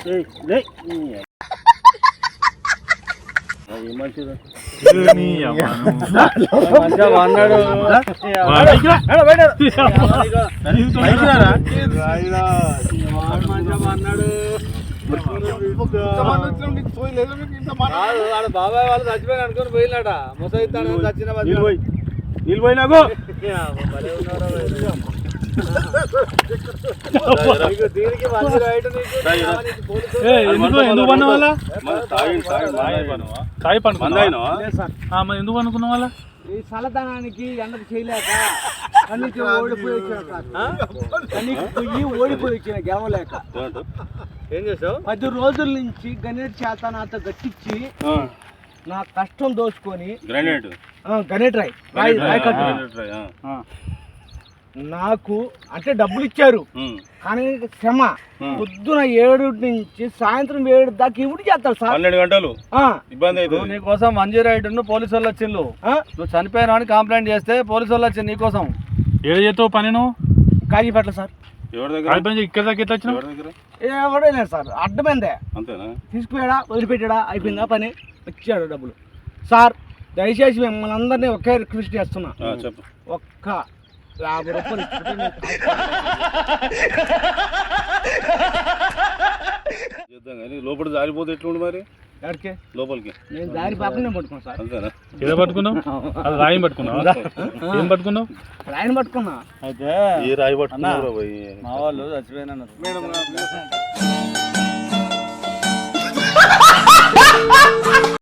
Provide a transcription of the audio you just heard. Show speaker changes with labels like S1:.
S1: అన్నాడు బాబాయ్ వాళ్ళు చచ్చిపోయిన అనుకుని పోయినాట ముసైతాను చచ్చిన నీళ్ళు పోయినాకు దీనికి ఎందుకు పన్న వాళ్ళ ఎందుకు అనుకున్న వాళ్ళ ఈ చల్లదనానికి ఎండకు చేయలేక కన్నీకి ఓడిపోయి వచ్చిన గెలవలేక ఏం చేసావు 10 రోజుల నుంచి గణేట్ చేత నాతో గట్టించి నా కష్టం దోచుకొని గణేట్ రాయ్ నాకు అంటే డబ్బులు ఇచ్చారు కానీ శ్రమ పొద్దున 7 నుంచి సాయంత్రం 7 దాకా ఇవి చేస్తారు సార్ 12 గంటలు ఇబ్బంది అవుతుంది నీకోసం 108 పోలీసు వాళ్ళు వచ్చిండు నువ్వు చనిపోయినా అని కంప్లైంట్ చేస్తే పోలీసు వాళ్ళు వచ్చింది నీకోసం ఏడు చేస్తావు పని నువ్వు కాగిపట్ల సార్ ఇక్కడ దాకా వచ్చిన ఎవడే లేదు సార్ అడ్డమైందే తీసుకుపోయాడా వదిలిపెట్టాడా అయిపోయిందా పని వచ్చాడు డబ్బులు సార్ దయచేసి మిమ్మల్ని అందరినీ ఒకే రిక్వెస్ట్ చేస్తున్నా ఒక్క 50 రూపాయలు లోపల జారిపోతే ఎట్లుండి మరి లోపలికి నేను దారి పక్కనే పట్టుకున్నాను సార్ అంతేనా ఏదో పట్టుకున్నావు అది రాయి పట్టుకున్నావు ఏం పట్టుకున్నావు రాయిని పట్టుకున్నా అయితే ఈ రాయి పట్టుకున్నావు మా వాళ్ళు చచ్చిపోయినా